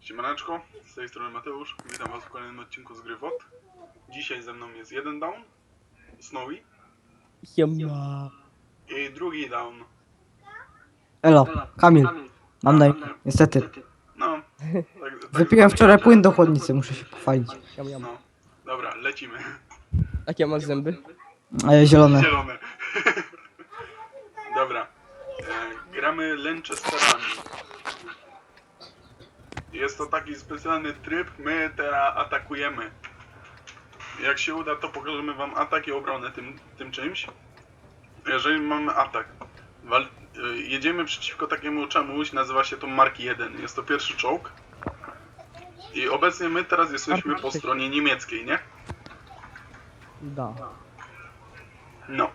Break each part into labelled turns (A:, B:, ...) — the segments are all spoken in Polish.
A: Siemaneczko, z tej strony Mateusz, witam was w kolejnym odcinku z gry WOT. Dzisiaj ze mną jest jeden down, Snowy,
B: Siema.
A: i drugi down.
B: Elo, Kamil. Mam na imię, niestety.
A: No,
B: Wypiłem wczoraj płyn do chłodnicy, muszę się pochwalić.
A: No, dobra, lecimy.
C: Jakie masz zęby?
B: Zielone.
A: Zielone. Dobra, gramy Lanchesterami. Jest to taki specjalny tryb, my teraz atakujemy. Jak się uda, to pokażemy wam atak i obronę tym czymś. Jeżeli mamy atak, jedziemy przeciwko takiemu czemuś, nazywa się to Mark 1. Jest to pierwszy czołg. I obecnie my teraz jesteśmy po stronie niemieckiej, nie?
C: Da.
A: No.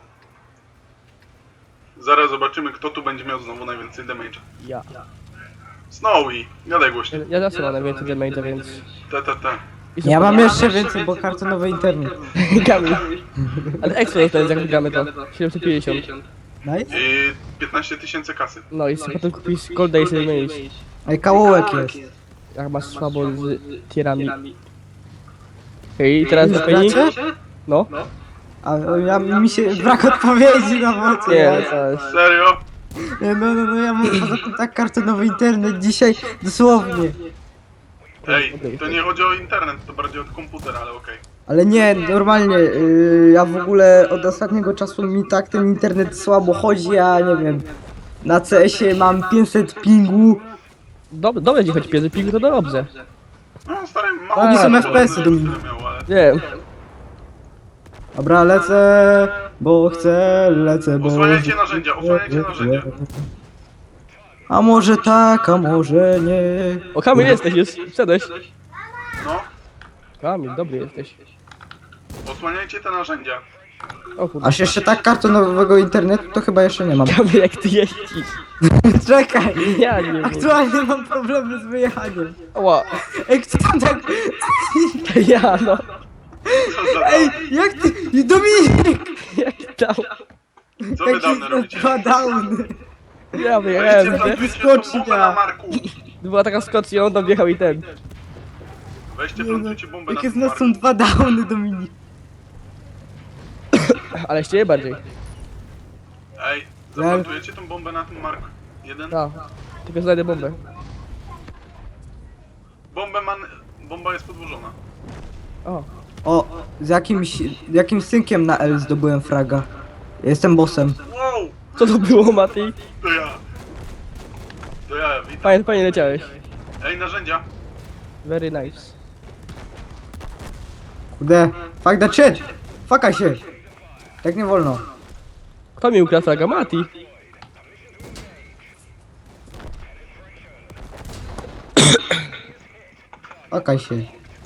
A: Zaraz zobaczymy, kto tu będzie miał znowu najwięcej damage.
C: Ja.
A: Snowy, gadaj głośno.
C: Ja zawsze mam najwięcej damage, więc...
A: Te.
B: Ja mam jeszcze więcej, bo kartonowy internet.
C: Kamil. Ale ekstra to jest, jak wygramy to. 750.
B: Nice?
A: I 15 000 kasy.
C: No i sobie potem kupisz golda i sobie wymienisz.
B: Ej, kałołek jest.
C: Jak masz słabo z tierami. Okej, teraz wypełni?
B: Gracie?
C: No.
B: A mi się brak odpowiedzi na mocy.
C: Nie, to jest...
A: Serio?
B: No, ja mam poza tym tak kartonowy internet dzisiaj, dosłownie.
A: Ej, to nie chodzi o internet, to bardziej o komputer, ale okej.
B: Ale nie, normalnie, ja w ogóle od ostatniego czasu mi tak ten internet słabo chodzi, ja nie wiem. Na CS-ie mam 500 pingu.
C: Dobrze ci choć piezy, ping to dobrze.
A: No stary, mało
C: To nie są
A: tyle
B: FPS-y,
A: tyle
B: Dominik.
A: miał, ale...
C: Wiem.
B: Dobra, lecę, bo chcę, lecę, bo...
A: Osłaniajcie narzędzia, osłaniajcie narzędzia.
B: A może tak, a może nie.
C: O, Kamil jesteś, jest. Wszedłeś.
A: No,
C: Kamil, dobry jesteś.
A: osłaniajcie te narzędzia.
C: O kurde.
B: Aż jeszcze tak kartonowego internetu to chyba jeszcze nie mam.
C: Kamil, jak ty jeździsz.
B: Czekaj!
C: Ja nie wiem.
B: Aktualnie mam problemy z wyjechaniem.
C: Ła.
B: Ej, kto tam tak...
C: Ja no.
A: Co za
B: Ej, jak ty... Dominik!
C: Jak tam?
A: Co wy dawno robicie?
B: dwa downy.
C: Ja
A: Weźcie,
C: wiem.
A: plantujcie tą
B: wyskocznia.
A: bombę na Marku.
C: Była taka skocznia, on tam wjechał i ten.
A: Weźcie, plantujcie bombę na
B: Jakie z
A: tym
B: nas
A: Marku.
B: są dwa downy, Dominik.
C: Ale ścieje bardziej.
A: Ej, zaplantujecie tą bombę na tym Marku. Jeden?
C: Tak. Tylko znajdę bombę.
A: Bomba jest podłożona.
C: O.
B: O, z jakim synkiem na L zdobyłem fraga. Jestem bossem.
A: Wow!
C: Co to było, Mati?
A: To ja. To ja, witam.
C: Fajnie leciałeś.
A: Ej, narzędzia.
C: Very nice.
B: Kurde, fuck that shit! Fuckaj się! Tak nie wolno.
C: Kto mi ukradł fraga? Mati.
B: Fuckaj się.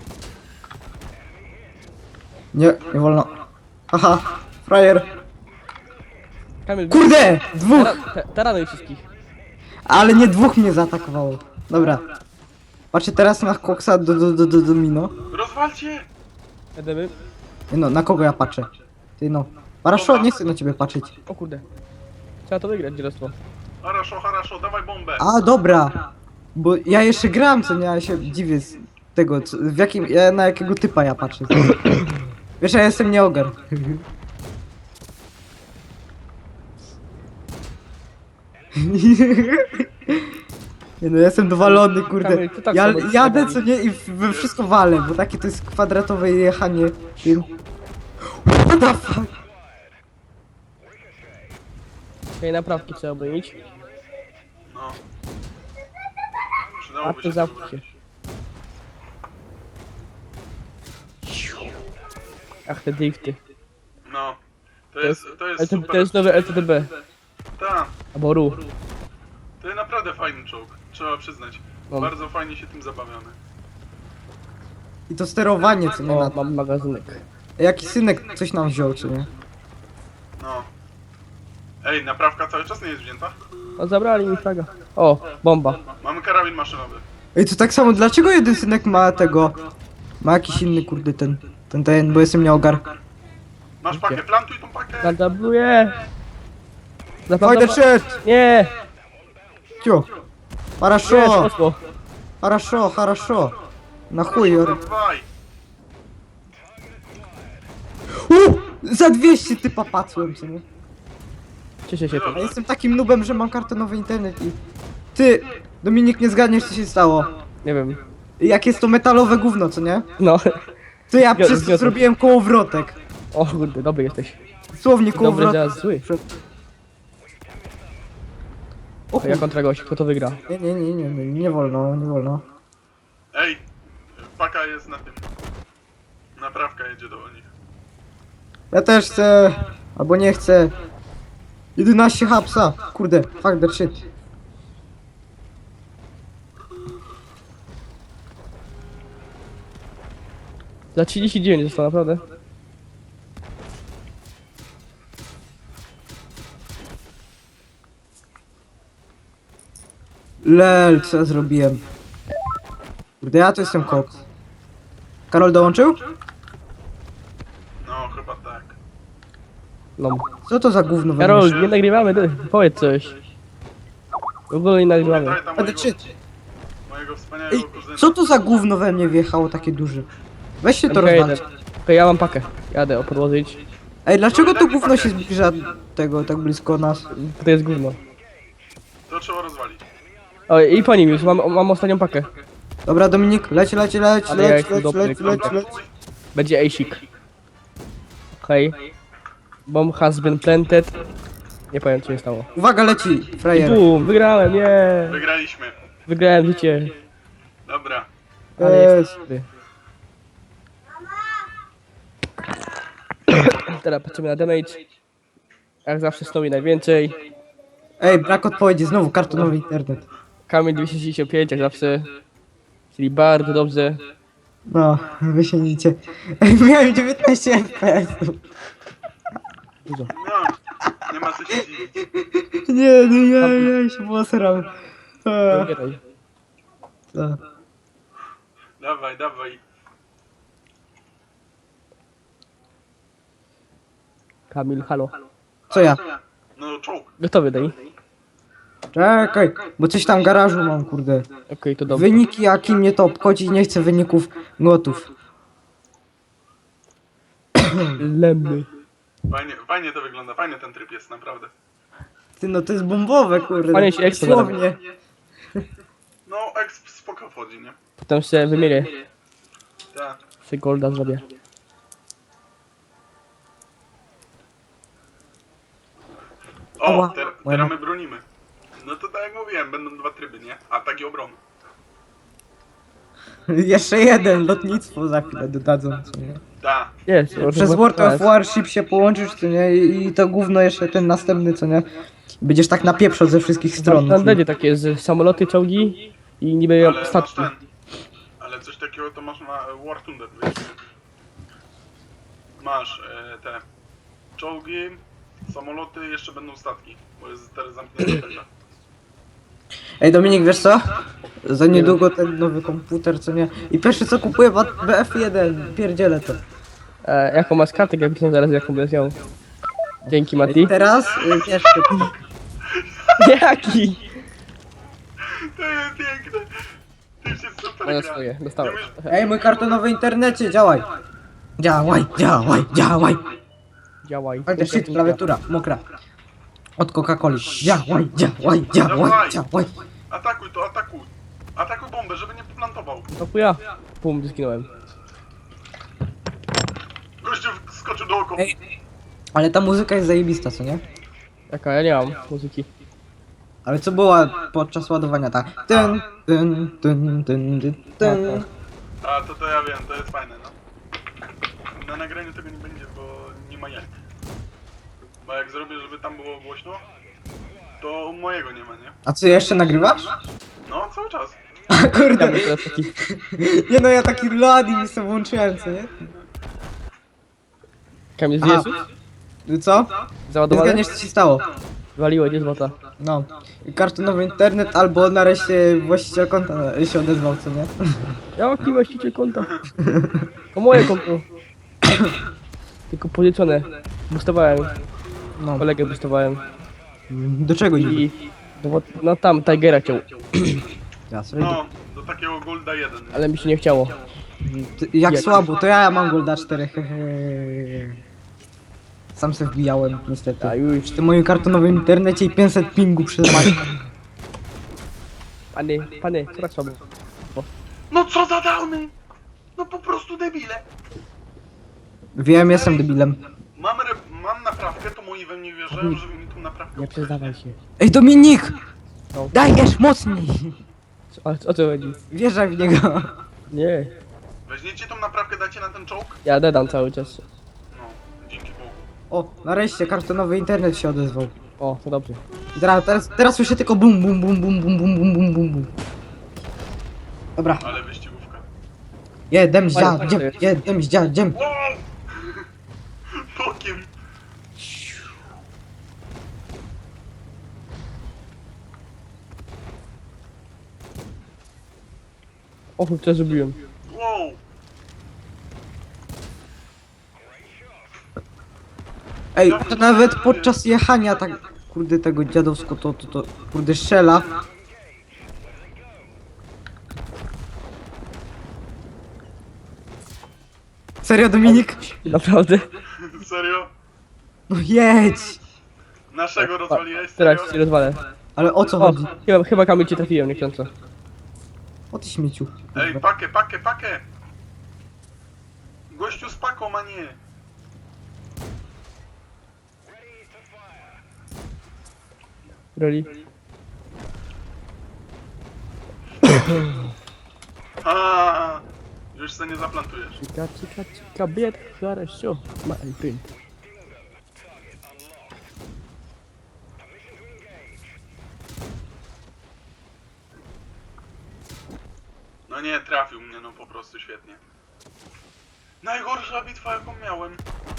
B: Nie wolno. Haha, frajer.
C: Kamil,
B: Kurde! Dwóch!
C: taranuj wszystkich.
B: Ale nie dwóch mnie zaatakowało. Dobra. Patrzcie teraz na koksa do domino.
A: Rozwalcie!
C: Jedziemy.
B: Nie no, na kogo ja patrzę? Ty no. Paraszo, nie chcę na ciebie patrzeć.
C: O kurde. Trzeba to wygrać, dzielostwo.
A: Haraszo, dawaj bombę.
B: A, dobra. Bo ja jeszcze gram, co nie, ja się dziwię z tego, w jakim, na jakiego typa ja patrzę. Wiesz, ja jestem nieogar. Nie no, ja jestem dowalony, kurde.
C: Kamil, ty tak
B: Ja
C: samo
B: jadę,
C: jesteś.
B: co nie, i we wszystko walę, bo takie to jest kwadratowe jechanie tym. What the fuck?
C: Okej, naprawki trzeba obronić.
A: No.
C: A
A: Przydałoby
C: to
A: się
C: zamknij
A: to
C: się.
A: brać.
C: Ach, te drifty.
A: No. To jest super.
C: To jest nowe LTTB.
A: Tak.
C: Albo RU.
A: To jest naprawdę fajny czołg. Trzeba przyznać.
C: No.
A: Bardzo fajnie się tym zabawiamy.
B: I to sterowanie, co nie,
C: O,
B: na...
C: mam magazynek.
B: Jaki synek coś nam wziął, czy nie?
A: No. Ej, naprawka cały czas nie jest wzięta?
C: O, zabrali mi fraga. O, bomba.
A: Mamy karabin maszynowy.
B: Ej, to tak samo, dlaczego jeden synek ma tego... Ma jakiś inny, kurde, ten, bo jestem nieogar.
A: Masz pakę, plantuj tą pakę.
C: Nadabluję.
B: Fajny shit!
C: Nie!
B: Cio!
C: Nie,
B: Paraszo!
C: poszło.
B: Хорошо, хорошо. Na chuj, Jory.
A: Dawaj!
B: Za 200 typa patrzyłem, co nie?
C: Cieszę się.
B: Ja jestem takim nubem, że mam kartonowy internet i... Ty, Dominik, nie zgadniesz, co się stało.
C: Nie wiem.
B: Jak jest to metalowe gówno, co nie?
C: No.
B: To ja przez to
C: zgadzam.
B: zrobiłem kołowrotek.
C: O kurde, dobry jesteś.
B: Dosłownie
C: Dobry,
B: kołowrotek.
C: teraz zły.
B: O
C: A ja
B: chuj.
C: kontra gość, kto to wygra?
B: Nie wolno, nie wolno.
A: Ej! Paka jest na tym. Naprawka jedzie do nich.
B: Ja też chcę, albo nie chcę. 11 hapsa. Kurde, fuck that shit.
C: Za 39 zostało, naprawdę.
B: Lel, co ja zrobiłem? Kurde, ja tu jestem koks. Karol dołączył?
A: No, chyba tak.
C: No.
B: Co to za gówno we
C: Karol,
B: mnie?
C: nie nagrywamy, ty. Powiedz coś. W ogóle nie nagrywamy.
A: Pamiętaj tam
B: Ale
A: mojego,
B: czy...
A: mojego wspaniałego
B: Ej,
A: kuzyna.
B: co to za gówno we mnie wjechało takie duże? Weź się to
C: Okej,
B: rozwalić.
C: Okej, ja mam pakę. Jadę podłożyć.
B: Ej, dlaczego to
A: Daj mi
B: gówno
A: pakę.
B: się zbliża tego tak blisko nas?
C: To jest gówno.
A: To trzeba rozwalić.
C: O, i po nim już, mam ostatnią pakę.
B: Dobra, Dominik, leć,
C: Ale ja jestem dobry,
B: leć.
C: Będzie Asik. Okej. Bomb has been planted. Nie powiem, co się stało.
B: Uwaga, leci,
C: I
B: frajer.
C: bum, wygrałem, nie.
A: Wygraliśmy.
C: Wygrałem życie.
A: Dobra.
C: Ale jest dobry. Teraz patrzymy na damage. Jak zawsze Snowy najwięcej.
B: Ej, brak odpowiedzi, znowu kartonowy internet.
C: Kamień 265 jak zawsze. Czyli bardzo dobrze.
B: No, wy się nicie. Ej, miałem 19 FPS.
C: Dużo.
A: No, nie ma co się dziwić.
B: Nie, ja się posram.
C: Wybieraj.
A: Dawaj, dawaj.
C: Kamil, halo.
B: Co ja?
A: No, czołg.
C: Gotowy, Dani?
B: Czekaj, bo coś tam w garażu mam, kurde.
C: Okej, to dobrze.
B: Wyniki, jaki mnie to obchodzi, nie chcę wyników gotów.
C: Lemmy.
A: Fajnie to wygląda, fajny ten tryb jest, naprawdę.
B: Ty, no to jest bombowe, kurde.
C: Panie się ekstra
B: Dosłownie.
A: No, exp spoko wchodzi, nie?
C: Potem się wymienię.
A: Tak.
C: Się golda zrobię.
A: O,
B: Ała.
A: teraz my bronimy. No to tak jak mówiłem, będą dwa tryby, nie? Atak i obrona.
B: Jeszcze jeden, lotnictwo za chwilę dodadzą, co nie?
A: Tak.
C: Jest.
B: Przez World of Warship się połączysz, co nie? I to gówno jeszcze ten następny, co nie? Będziesz tak napieprzał ze wszystkich stron.
C: Tam będzie takie z samoloty, czołgi i niby
A: Ale masz
C: statki.
A: ten. Ale coś takiego to masz na War Thunder, wiesz? Masz te czołgi, samoloty, jeszcze będą statki, bo jest teraz zamknięta taka.
B: Ej, Dominik, wiesz co? Za niedługo ten nowy komputer, co nie? I pierwsze co kupuję, BF1, pierdzielę to.
C: Jaką masz kartę graficzną zaraz, jaką będziesz miał? Dzięki, Mati.
B: Teraz, wiesz,
C: Jaki?
A: To jest piękne! Ty się super
C: Moje
A: gra.
C: swoje, dostałem.
A: Nie umiesz-
B: ej, mój kartonowy internecie, działaj! Działaj!
C: Działaj.
B: Fajny shit, klawiatura, mokra. Od Coca-Coli. Działaj!
A: Atakuj to, atakuj! Atakuj bombę, żeby nie plantował.
C: To chuja. Pum, zginąłem.
A: Gościu skoczył dookoła.
B: Ej. Ale ta muzyka jest zajebista, co nie?
C: Jaka? Ja nie mam muzyki.
B: Ale co była podczas ładowania ta? Ten.
A: A to ja wiem, to jest fajne, no. Na nagraniu tego nie będzie, bo nie ma jak. Bo jak zrobię, żeby tam było głośno, to mojego nie ma, nie?
B: A co, jeszcze nagrywasz?
A: No, cały czas.
B: A
C: Ja
B: kurde.
C: bym teraz taki...
B: Nie no, ja taki ladi mi sobie włączyłem, co nie?
C: Kamil,
B: Aha.
C: zjesz?
B: Co? Nie
C: Załadowany?
B: zgadniesz, co się stało.
C: Waliło, nie złota.
B: No. Kartonowy internet albo nareszcie właściciel konta się odezwał, co nie?
C: Jaki właściciel konta? To moje konto. Tylko pożyczone. Boostowałem.
B: No.
C: Kolegę boostowałem.
B: Do czego niby?
C: I... No tam Tigera ciął.
B: Ja sobie
A: No, do takiego Golda 1.
C: Ale mi się nie chciało.
B: Jak
C: Jak?
B: słabo, to ja mam Golda 4, hehe. Sam se wbijałem, niestety.
C: A już.
B: W tym moim kartonowym internecie i 500 pingu przez Maćka.
C: Panie, co tak słabo?
A: No co za downy? No po prostu debile.
B: Wiem, jestem debilem.
A: Mam naprawkę, to moi we mnie wierzają, żeby mi tu naprawkę
C: Nie przyznawaj się.
B: Ej, Dominik!
C: No.
B: Dajesz mocniej!
C: O co chodzi?
B: Wjeżdżaj w niego.
C: Nie.
A: Weźmiecie tą naprawkę, dacie na ten czołg?
C: Ja dedam cały czas.
A: No, dzięki Bogu.
B: O, nareszcie kartonowy internet się odezwał.
C: O, to dobrze.
B: I teraz słyszę tylko bum bum bum bum bum bum bum bum bum bum. Dobra,
A: Ale wyścigówka.
B: jedem
C: Fajnie,
B: dziem.
A: Wow! Bokiem.
C: O, co zrobiłem?
A: Wow!
B: Ej, to nawet podczas jechania tak, kurde, tego dziadowsko to, kurde, strzela. Serio, Dominik?
C: Naprawdę?
A: Serio?
B: No jedź!
A: Naszego rozwaliłeś?
C: Teraz
A: Serio?
C: cię rozwalę.
B: Ale o co
C: O,
B: chodzi?
C: chyba Kamil cię trafiłem niechcąco.
B: O ty śmieciu.
A: Ej, pakę! Gościu z paką, a nie.
C: Roli.
A: A, już se nie zaplantujesz.
C: Cika, bied, хорошо, my friend.
A: No nie, trafił mnie, no po prostu świetnie. Najgorsza bitwa jaką miałem.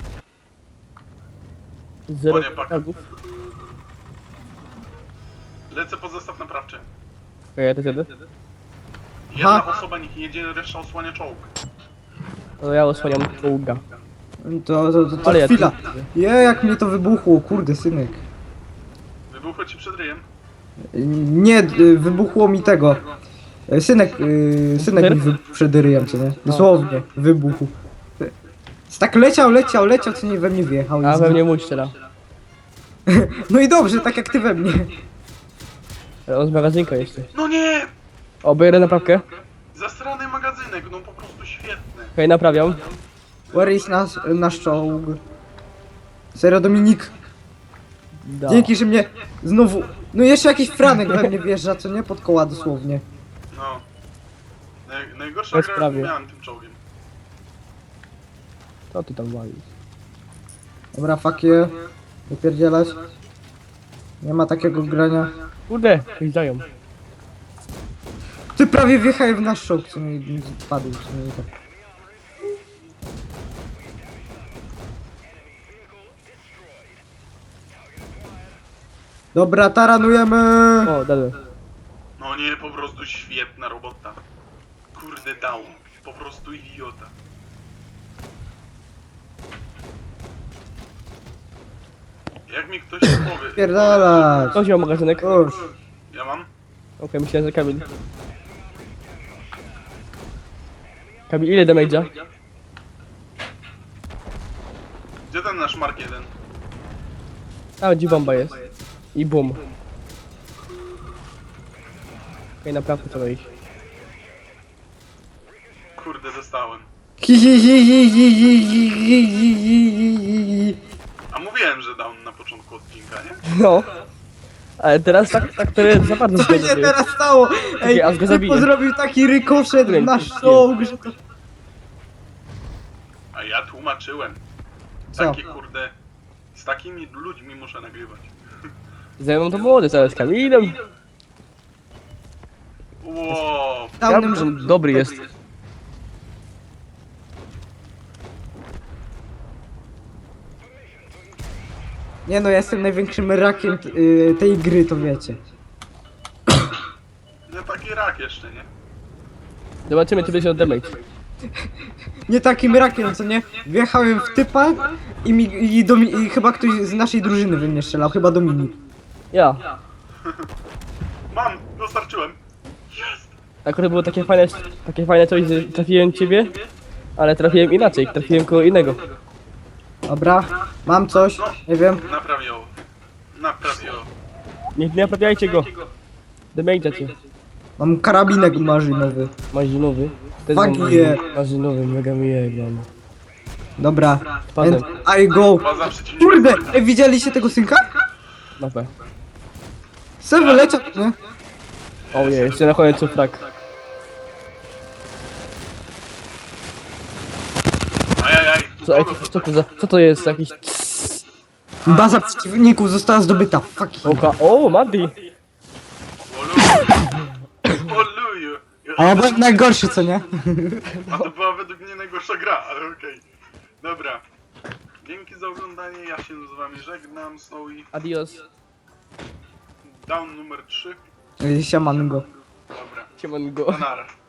C: Zero
A: O nie, pak.
C: fragów.
A: Lecę pod zestaw naprawczy.
C: Okej, ja też jedę.
A: Jedna osoba niech jedzie, reszta osłania czołg.
C: No ja osłaniam czołga.
B: To
C: Ale ja
B: chwila.
C: tu-
B: Jak mnie to wybuchło, kurde, synek.
A: Wybuchło ci przed ryjem.
B: Nie, wybuchło mi tego. Synek mi wybuchł przed ryjem, co nie? Dosłownie, wybuchł. Tak leciał, co nie we mnie wjechał. i
C: A we
B: zginął.
C: mnie mój strzela.
B: No i dobrze, tak jak ty we mnie.
C: Ale on z magazynka jeszcze.
A: No nie!
C: O, biorę naprawkę.
A: Zasrany magazynek, no po prostu świetny.
C: Okej, naprawiam.
B: Where is nasz czołg? Serio, Dominik?
C: Da.
B: Dzięki, że mnie znowu... No jeszcze jakiś franek we mnie wjeżdża, co nie? Pod koła dosłownie.
A: No. Najgorsza
C: Bez
A: gra,
C: prawie.
A: jaką miałem tym czołgiem.
C: Co ty tam walisz?
B: Dobra, fuck you. Wypierdzielać. Nie ma takiego grania.
C: Kurde, coś dają.
B: Ty prawie wjechałeś w nasz czołg, co mi padł, co mi tak. Dobra, taranujemy!
C: O, dadłem.
A: No nie, po prostu świetna robota. Kurde down. Po prostu idiota. Jak mi ktoś powie...
B: Pierdalać!
C: Kto wziął magazynek?
B: Już.
A: Ja mam?
C: Okej, myślałem, że Kamil. Kamil, ile damage'a?
A: Gdzie ten nasz Mark 1?
C: A, gdzie bomba jest? I boom. Okej, naprawdę trzeba iść.
A: Kurde, dostałem. A mówiłem, że down na początku odcinka, nie?
C: No. Ale teraz tak to jest za bardzo
B: Co się
C: zgodnie.
B: teraz stało? Ej,
C: aż go zabiję.
B: Typo zrobił taki rykoszet w nasz czołg, że to...
A: A ja tłumaczyłem.
B: Co?
A: Takie kurde... Z takimi ludźmi muszę nagrywać.
C: Ze mną to młody, zaraz z Kamilem.
A: Wow.
B: Downem,
C: Ja, dobry jest.
B: Nie no, ja jestem największym rakiem tej gry, to wiecie.
A: Nie taki rak jeszcze, nie?
C: Zobaczymy, czy będzie od damage.
B: Nie takim rakiem, co nie? Wjechałem w typa i chyba ktoś z naszej drużyny we mnie strzelał, chyba Dominik.
C: Ja.
A: Mam, dostarczyłem. Jest!
C: Akurat było takie fajne coś, że trafiłem ciebie, ale trafiłem inaczej, trafiłem kogo innego.
B: Dobra, mam coś, nie wiem.
A: Napraw ją. Napraw ją.
C: Nie naprawiajcie go. Damage'a cię.
B: Mam karabinek marzynowy.
C: Marzynowy.
B: Fuck yeah.
C: Marzynowy, mega mi jebany.
B: Dobra,
C: Spadłem.
B: and I go.
A: Baza przeciwnika.
B: Kurde, widzieliście tego synka?
C: Na P.
B: Se wyleciał, nie?
C: O nie, jeszcze na końcu frak.
A: Ajajaj.
C: Co to jest? Jakiś...
B: Baza przeciwników została zdobyta. Fuck.
C: Oka. O, Madi!
A: Oluju.
B: A ja byłem najgorszy, co nie?
A: A to była według mnie najgorsza gra, ale okej. Dobra. Dzięki za oglądanie, ja się z wami żegnam, Snowy.
C: Adios.
A: Down numer 3.
B: Siaman go.
A: Dobra,
C: Siemanko.
A: nara.